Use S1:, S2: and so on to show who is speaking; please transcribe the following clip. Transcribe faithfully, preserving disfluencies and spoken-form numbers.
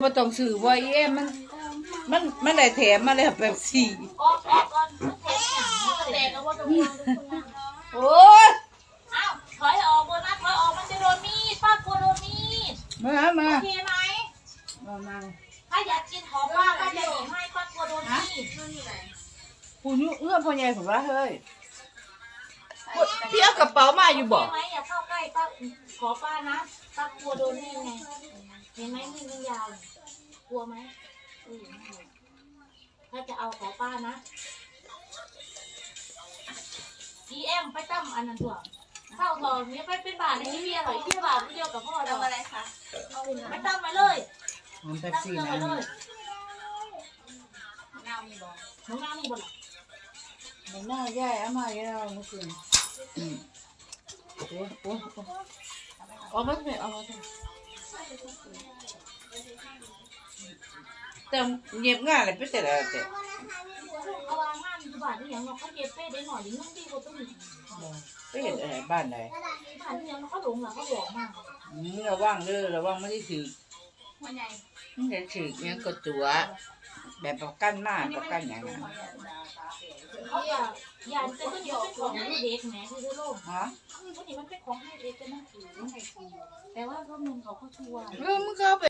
S1: บ่ต้องซื้อบ่เอ้มันมันมันได้แถมมาแล้วแบบสี่
S2: ออกออกก่อนเทปหนังมันแตกแล้วว่าจะวาง
S1: โอ้ย
S2: อ้าวถอยออกบนนะถอยออกมันจะโดนมีดป้ากลัวโดนมีด
S1: มามา
S2: โอเคไหม
S1: มามา
S2: ถ้าอยากกินของป้าป้าจะหนีให้ป้ากลัวโดนมีด
S1: ผู้ยุเอื้อพ่อใหญ่ผมว่าเฮ้ยพี่เอากระเป๋ามาอยู่บ่
S2: ไหมอย่าเข้าใกล้ป้าขอป้านะป้ากลัวโดนมีดไงเห็นไหมมีดมันยาวกลัวไหมถ้าจะเอาขอป้านะดีเอ็มไปตั้มอันนั้นตัวเข้าทองนี้ไปเป็นบาทในที่เบียร์หน่อยที่บาทเดียวกับพ่อเราอะไรคะไปตั้มไปเลย
S1: มันแป๊บซี่นะ
S2: นี่น้ามีบ่น้องน้ามีบ่หรอ
S1: มันน่าแย่เอามาเยอะเมื่อคืนอืมโอ้โอ้เอามาสิเอามาสิแต่เงียบง่ายเลยไปแต่ละแต่
S2: เอาวางงานอยู่บ้านที่ยังเราเขาเย็บเป้ได้หน่อยยิ่งนุ่งดีกว่าต้องมี
S1: ไปเห็นอะไรบ้านไหน
S2: บ้านที่ยังเขาหลงหลังเขาบอกมาก
S1: มึงระวังเด้อระวังไม่ได้ถือ
S2: มันใหญ่
S1: มึงจะถือยังกดตัวแบบประกันมากประกันอย่างนั้น
S2: เขาอยากอยากเป็นต้นยอเป็นของให้เด็กแหมคือโลก
S1: ฮะ
S2: พวกนี้มันเป็นของให้เด็กกันนะแต่ว่าพวกมึงเขาเขาชัวร์
S1: เออมึงก็ไป